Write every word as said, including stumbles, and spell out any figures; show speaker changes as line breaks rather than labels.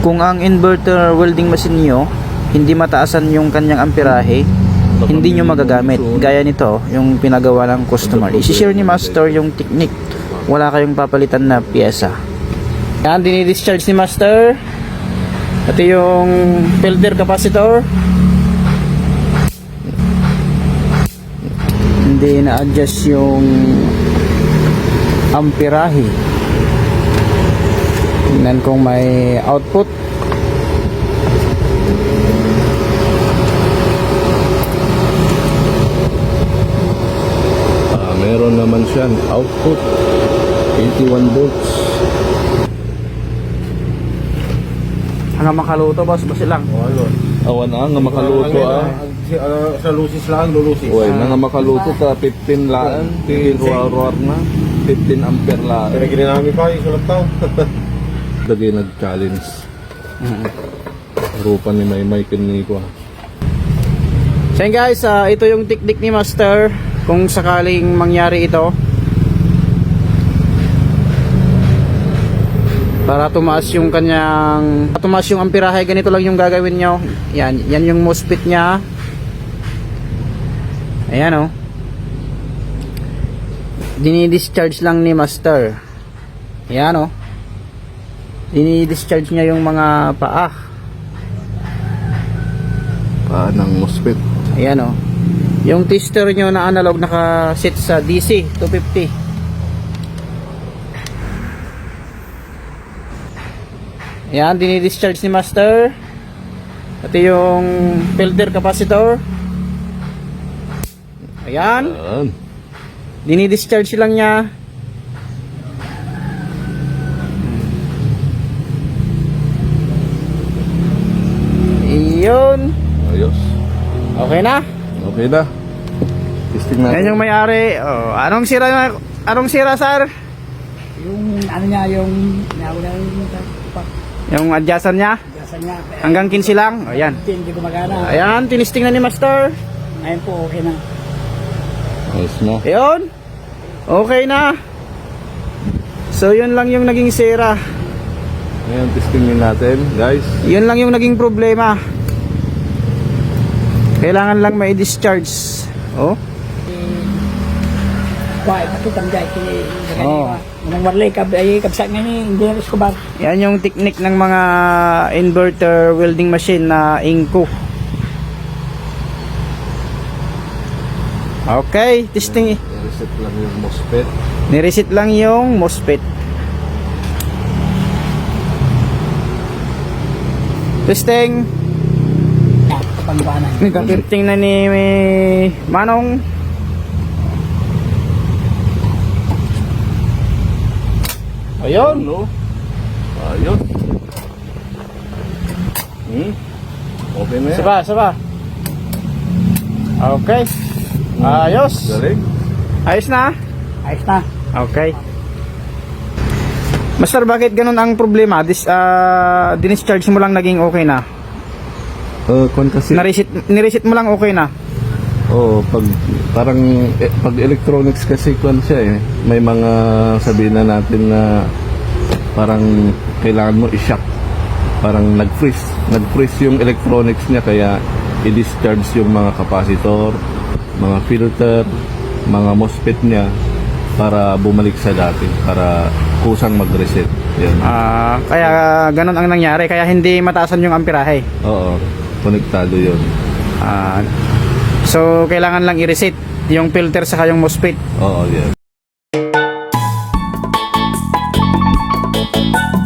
Kung ang inverter welding machine nyo hindi mataasan yung kanyang amperahe, hindi nyo magagamit. Gaya nito, yung pinagawa ng customer. I-share ni master yung technique. Wala kayong papalitan na pyesa. Yan, dinidischarge ni master. Ito yung filter capacitor. Hindi na-adjust yung amperahe. Tingnan kung may output.
Ah, meron naman siyang output eighty-one volts.
Hanggang makaluto, boss, boss lang.
Awan na nga makaluto ah.
Sa lusis lang, lulusis.
Uy, nga makaluto ka fifteen laan, tiruar-ruar na. fifteen ampere laan.
Pinaginin namin pa, yung sulat tao.
Dagay nag-challenge. Rupan ni Maymay kiniko.
So yun guys, uh, ito yung technique ni master kung sakaling mangyari ito. Para tumaas yung kanyang tumaas yung amperahe, ganito lang yung gagawin nyo. Yan, yan yung MOSFET nya. Ayan o. Oh. Dinidischarge lang ni master. Ayan o. Oh. Dinidischarge niya yung mga paa.
Paa ng MOSFET.
Ayan o. Oh. Yung tester nyo na analog naka-set sa D C two fifty. Ayan, dinidischarge ni master. Ito yung filter capacitor. Ayan.
Ayan.
Dinidischarge lang niya. Iyon.
Ayos.
Okay na.
Okay na. Testing natin.
Yan yung may-ari. Oh, anong sira, anong sira, sir?
Yung ano niya, yung nauna yung
Yung adjustan niya?
adjustan niya.
Hanggang quinze lang. Oh, ayan.
Hindi gumagana.
Ayan, tinisting na ni master.
Ngayon po, okay na.
Ayos na.
Ayun. Okay na. So, yun lang yung naging sira.
Ngayon, testing din natin, guys.
Yun lang yung naging problema. Kailangan lang ma-discharge. Oh.
Why, matutang dahil kini
Oo.
Nang warlay kab ay kabsak nga ni hindi na Escobar.
Yan yung technique ng mga inverter welding machine na Inco. Okay, testing.
Reset lang yung MOSFET.
Nireset lang yung MOSFET. Testing.
Ya, kapangbanan.
Nagka-testing na ni Manong. Ayun,
no? Ayos. Hmm? Okay na yan.
Saba, saba. Okay. Ayos.
Galing.
Ayos na.
Ayos na.
Okay. Master, bakit ganun ang problema? Dis, uh, dinischarge mo lang naging okay na.
Uh, kung kasi...
Nireset, nireset mo lang okay na.
Oo, pag parang eh, pag electronics kasi kung siya eh, may mga sabihin na natin na parang kailangan mo i-shock. Parang nag-freeze, nag-freeze yung electronics niya kaya i-discharge yung mga capacitor, mga filter, mga MOSFET niya para bumalik sa dati, para kusang mag-reset. Yan.
Ah, kaya ganun ang nangyari, kaya hindi mataasan yung amperahe.
Oo, konektado yun.
Ah, so kailangan lang i-reset yung filter sa yung MOSFET.
Oo, yan.